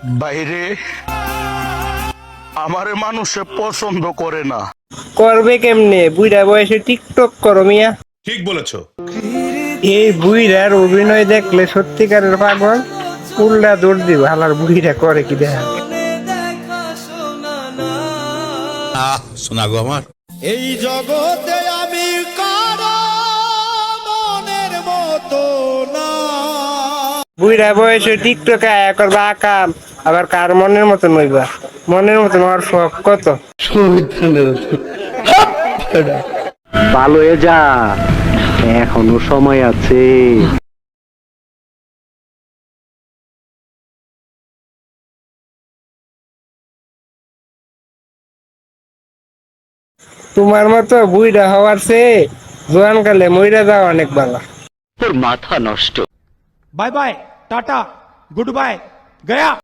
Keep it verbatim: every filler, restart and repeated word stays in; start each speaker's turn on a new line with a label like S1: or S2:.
S1: বাইরে আমারে মানুষে পছন্দ করে না।
S2: করবে কেমনে? বুইড়া বয়সে টিকটক করো মিয়া।
S1: ঠিক বলেছো।
S2: এই বুইড়ার অভিনয় দেখলে সত্যিকারের পাগল উল্টা দৌড় দিব। হালার বুইড়া করে কি দেখা।
S1: আহ শোনা গো আমার,
S3: এই জগতে আমি কারো মনের মতো না।
S2: বুইড়া বয়সে টিকটক আয়া করবা আকাম, আবার কার মনের মতন হইবা? মনের মতন হওয়ার শখ কত?
S4: ভালো হয়ে যা, এখনো সময় আছে।
S2: তোমার মতো বুইড়া হওয়ার চেয়ে জোয়ান কালে মইরা যাওয়া অনেক ভালো।
S4: তোর মাথা নষ্ট।
S3: Bye bye tata good bye गया।